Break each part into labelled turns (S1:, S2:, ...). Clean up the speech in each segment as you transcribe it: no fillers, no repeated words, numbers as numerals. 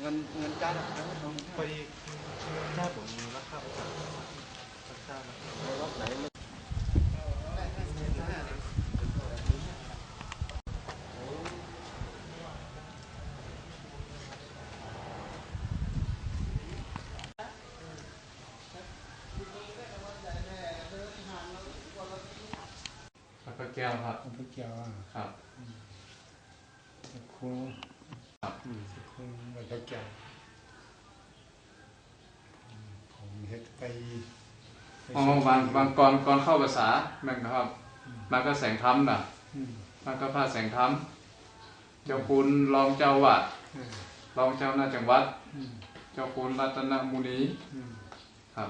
S1: งินจ้าหนักนะต้อง
S2: ไปหน้าผมราคาประจำราคานะ
S1: รถไหน
S3: พระแก้วครับ
S4: พระเจ้า
S3: ครับ
S4: ครู
S3: ครับ
S4: ครูพระเจ้าผมเฮ็ดไป
S3: อ๋อบางก่อนเข้าภาษาแม่นครับมันก็แสงธรรมน่ะมันก็พาแสงธรรมเจ้าคุณรองเจ้าวัดรองเจ้าหน้าจังหวัดเจ้าคุณรัตนมุนีครับ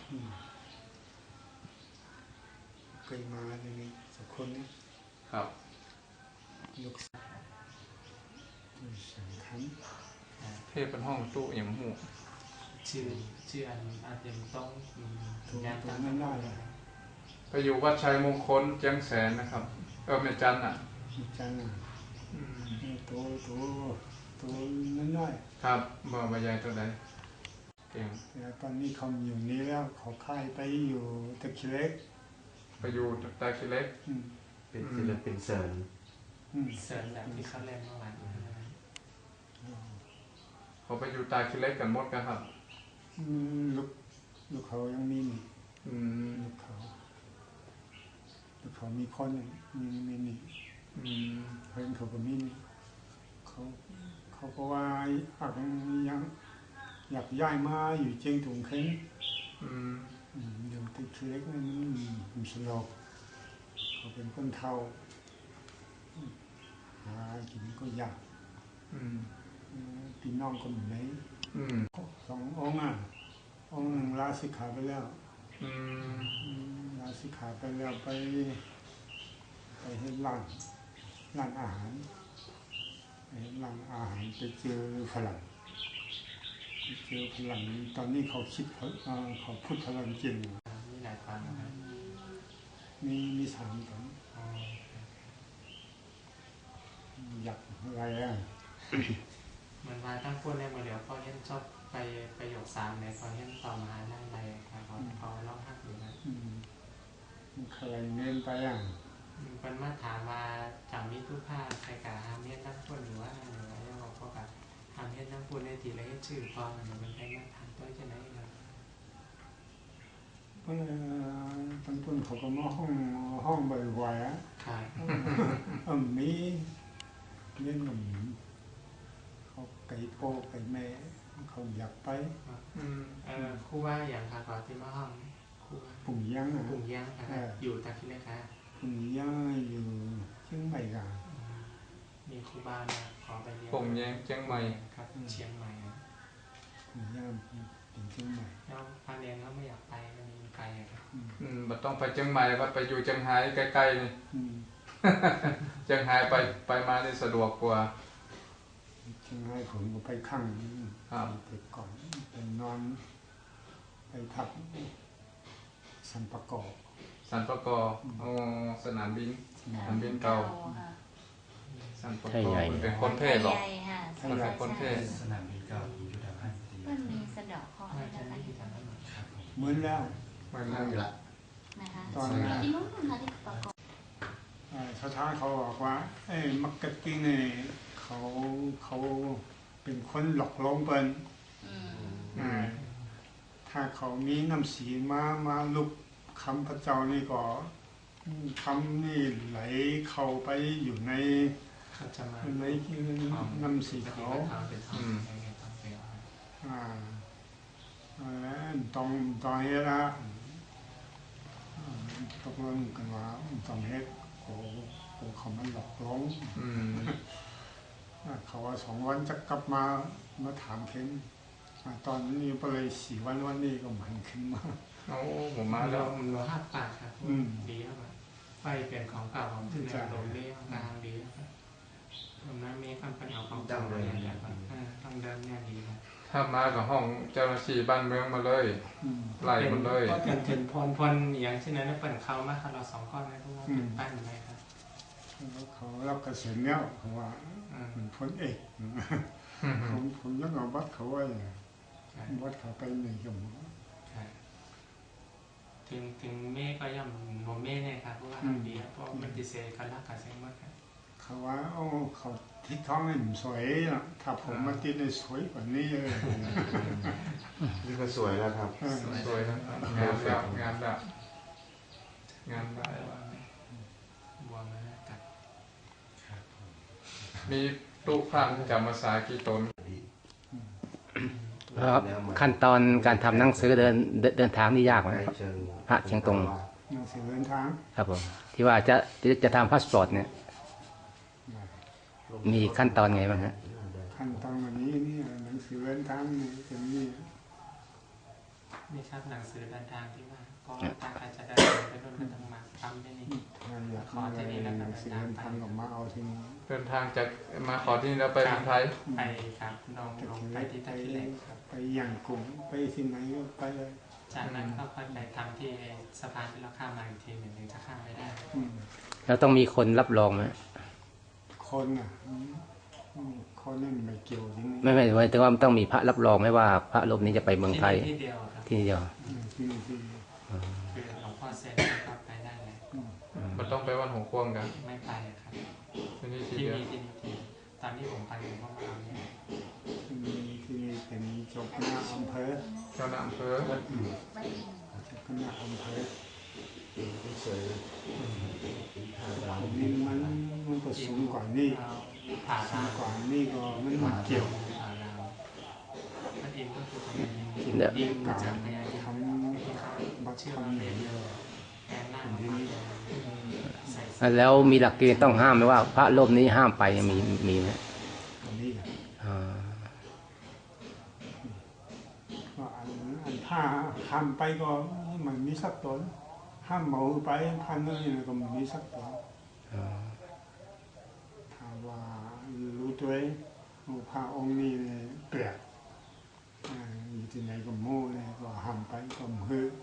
S4: เคยมาในนี้สักคนนี้
S3: ครับ
S4: ลูกสาวสังขัน
S3: เทพเป็นห้องตู้อย่างหู
S2: ชื่ออันอาจจะต้อง
S4: งานตั้งนั้นได้
S3: ไปอยู่วัดชัยมงคลเจียงแสนนะครับแม่จันน่ะ
S4: จันน่ะตัวนั้นน้อย
S3: ครับบ่ใหญ่ตัวใดเก่ง
S4: ตอนนี้เขาอยู่นี้แล้วเขาค่ายไปอยู่ตะคิเล็ก
S3: ไปอยู่ตะคิเล็ก
S1: เป็นศิลปินเสริญ
S2: แบบที่เขาเล่นเมื่อวาน
S3: เขาไปอยู่ตาคิเล็กกันหมดกันครับ
S4: ลูกเขายังมีลูกเขามีคนมีนี่เพื่อนเขาก็มีเขาก็ว่ายังอยากย้ายมาอยู่เชียงตุงเค้งอยู่ติดเล็กนั่นมันสลบเขาเป็นคนเฒ่าหากินก็ยากพี่น้องก็เหมือนไหน2 องค์องค์หนึ่งลาสิกขาไปแล้วลาสิกขาไปแล้วไปให้ร้านอาหารไปเห็นร้านอาหารไปเจอฝรั่งตอนนี้เขาคิดเขาพูดฝรั่งจริง
S2: มีหลายพันนะครับ
S4: มี3 คนอยากอะไร
S2: มันมาตั้งพูดในโมเดลเขาเห็นชอบไปประโยค3ในเขาเห็นต่อมาได้อะไรเขาเล่าหักอยู่นะ
S4: มันเคยเน้นไป
S2: เป็นมาถามว่าจากมิตรภาพใครกับฮามเฮ็ดตั้งพูดหรือว่าแล้วเราก็กับฮามเฮ็ดตั้งพูดในทีละเฮ็ดชื่อพอมันเป็นไปมาถามตัวจะไหนครับ
S4: ตั้งต้นเขาก็มาห้องบ่อยๆมีเล่นกับเขาไก่โป้ไก่แม่เขาอยากไป
S2: ครูว่าอย่างค่ะก่อนที่มาห้องครู
S4: ปุ่งย่าง
S2: อยู่ตาคิดเลยค่ะ
S4: ปุ่งย่างอยู่เชียงใหม่กัน
S2: มีครูบามาขอไปเรียน
S3: ปุ่งย่างเชียงใหม่
S2: ครับเชียงใหม่
S4: ปุ่งย่างเป็นเชียงใหม่
S2: แล้วพาเรียนก็ไม่อยากไปมันมีไกลครับ
S3: บัดต้องไปเชียงใหม่บัดไปอยู่เชียงรายใกล้ๆนี่เชียงรายไปมาได้สะดวกกว่า
S4: เชียงรายผมก็ไปข้างไปก่อนไปนอนไปพักสันปะกอบ
S3: สนามบินเก่าสันปะกอบมันเป็นคนเทศหรอมันเป็นคนเทศ
S1: สนามบินเก่าอยู่ทางภาค
S5: มันมีสะดอกคออะไรกัน
S4: เหมือนแล้ว
S1: อยู่ละ
S5: นะคะที่นู้นค่ะที่ประกอบ
S4: สถานเขาบอกว่ามักกะกิ้งเนี่ยเขาเป็นคนหลอกลวงเปิ้นถ้าเขามีน้ำสีมาลุกคำพระเจ้านี่ก็คำนี่ไหลเข้าไปอยู่ในน้ำสีเขาต้องเฮ็ดละตกลงกันว่าต้องเฮ็ดเขามันหลอกลวงเขาว่า2 วันจะกลับมาถามเข็มตอนนี้ไปเลย4 วันนี้ก็มันขึ้นมา
S3: ผมมาแล้ว
S2: มันรอ5 ปากครับดีครับไฟเปลี่ยนของเก่าของที่ในโรงเลี้ยงงานดีครับตรงนั้นมีคำปัญหาของเก่าอะไรอย่างเงี้ยต้องเดินเนี่ยดีครับ
S3: ถ้ามากับห้องเจ้าหน้าที่บ้านเมืองมาเลยไล่มันเลย
S2: ก็เป็นพรอย่างเช่นนั้นเปิดเขามาครับเรา2 ก้อนนะทุกคนเป็นปั้นไหมครับ
S4: เขารับเกษียณแล้วเขาว่าพ้นเอกผมยังเอาวัดเขาไว้วัดเขาไปหนึ่งชั่วโมง
S2: ถึงเมฆก็ย่ำโมเมฆเนี่ยครับเพราะว่าเบียร์เพราะมันดิเซลกันรักกันเซ็งมากครับ
S4: เขาว่าโอ้เขาทิศท้องให้ผมสวยอ่ะถ้าผมมาติดในสวยกว่านี้เลย
S1: นี่ก็สวยแล้วครับ
S3: สวยนะงามแล้วงามแล้วงามได้
S2: บวมแล้วกัด
S3: มีตู้พระจำภาษากี่ตน
S6: ครับขั้นตอนการทำหนังสือเดินทางนี่ยากไหมครับพระเชียงตง
S4: หนังสือเดินทาง
S6: ครับผมที่ว่าจะทำพาสปอร์ตเนี่ยมีขั้นตอนไงบ้างฮะ
S4: ขั้นตอนวันนี้นี่หนังสือเดินทางนี่เป็นนี่
S2: นี่ครับหนังสือเดินทางที่ว่าก็ตาอาจจะได้ไปร่วมกันทำมาทำที่นี่
S4: ถ้าอยากได้หนังสือเดินทางก็มาเอาที่นี่
S3: เดินทางจากมาขอที่นี่แล้วไปเมืองไทย
S2: ไปครับลงไปที่ท่าขี้เหล็กครับ
S4: ไปอย่างกลุ่มไปที่ไหนก็ไปเลย
S2: จากนั้นก็ค่อยไปทำที่สะพานที่เราข้ามมาอีกทีหนึ่งจะข้ามไม่ได้
S6: แล้วต้องมีคนรับรองไหม
S4: คนอ่ะคนนี่ไม่เกี่ยวที่นี่
S6: ไม่หมายถึงว่าต้องมีพระรับรองไหมว่าพระรูปนี้จะไปเมืองไทย
S2: ที่เดียวครับ
S6: ที่เดียว
S4: ที่นี่ที่
S2: คือหลวงพ่อเซ็นก็ไปได้เลย
S3: มันต้องไปวันหงควงกัน
S2: ไม่ไปครับ
S3: ที่นี่ที
S2: ที่
S3: เดียว
S2: นี่ที่นี่ที่ตอนที่ผมไปผมก็มาเอาเนี่ย
S4: ที่นี่เป็นเจ้าคณะอำเภอ
S3: เจ้าหน้าอำเภอ
S4: เจ้าคณะอำเภอ
S1: สวยทาง
S4: นี่มันก็สูงกว่านี่
S2: ผ่า
S4: สู
S2: ราง ว
S4: กว่านี่ก็มันไม่เกี่ยว
S2: ผ่าราวมันเองก็คือพยายาม
S6: เดี๋ยว
S2: ยิงจากพยายาม
S4: ทำบัตร
S2: เชื่อ
S4: ทำ
S2: ว่า
S4: เนี่
S2: เป็น
S4: ย
S2: แอนหน้าของมันใส่
S6: แล้วมีหลักเกณฑ์ต้องห้ามไหมว่าพระรูปนี้ห้ามไปมีไหม
S4: อันนี้
S6: อ่า
S4: ก็อันถ้าห้ามไปก็มันมีสักตนห้ามเหมาไปพันนึงก็มันมีสักตน
S6: อ่า
S4: ถ้าว่ารู้ตัวเองพระองค์นี้เปลี่ยนอยู่ที่ไหนก็โม่เนี่ยก็ห้ามไปก็มือ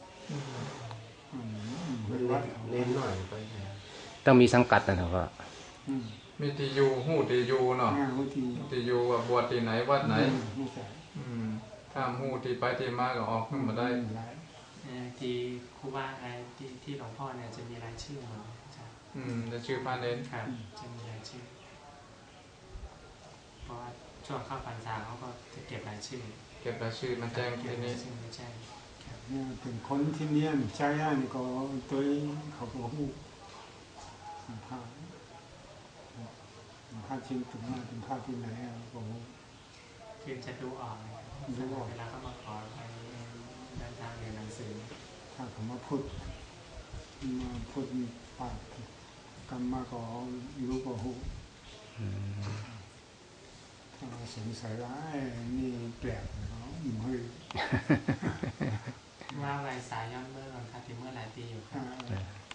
S4: มือวัด
S1: เน้นหน่อยไป
S6: ต้องมีสังกัดนะครับว่า
S3: มีตียูหูตียูเนาะ
S4: งานที่
S3: ตียูว่าบวชที่ไหนวัดไหน
S4: ไม่ใช่
S3: ถ้าหูที่ไปที่มาก็ออกขึ้นมาได้
S2: ที่ครูบาที่หลวงพ่อเนี่ยจะมีรายชื่อหมดใช่
S3: จะชื่อพระเน้น
S2: ครับจะมีรายชื่อเพราะว่าช่วงเข้าพรรษาเขาก็จะเก็บรายชื่อ
S3: เก็บรายชื่อมาแจ้ง
S2: เก็บ
S3: ที่
S2: รา
S3: นี่
S2: ยชื่อไม่ใช่
S4: เนี่ยเป็นคนที่เนี่ยใจอ่ะนี่ก็ตัวเขาก็หูผ้าผ้าชิ้นถึงมาเป็นผ้าที่ไหนก็หู
S2: คือจะดูออกเวลาเขามาขอไปเดินทางเรียนหนังสือ
S4: ถ้าเขามาพูดปากกรรมมาก็รู้ก็หูถ้าสงสัยว่านี่แปลกเขาเฮ้ย
S2: ว่าวัยสายย้อนเมื่อวันคาที่เมื่อหลายปีอยู่ครับ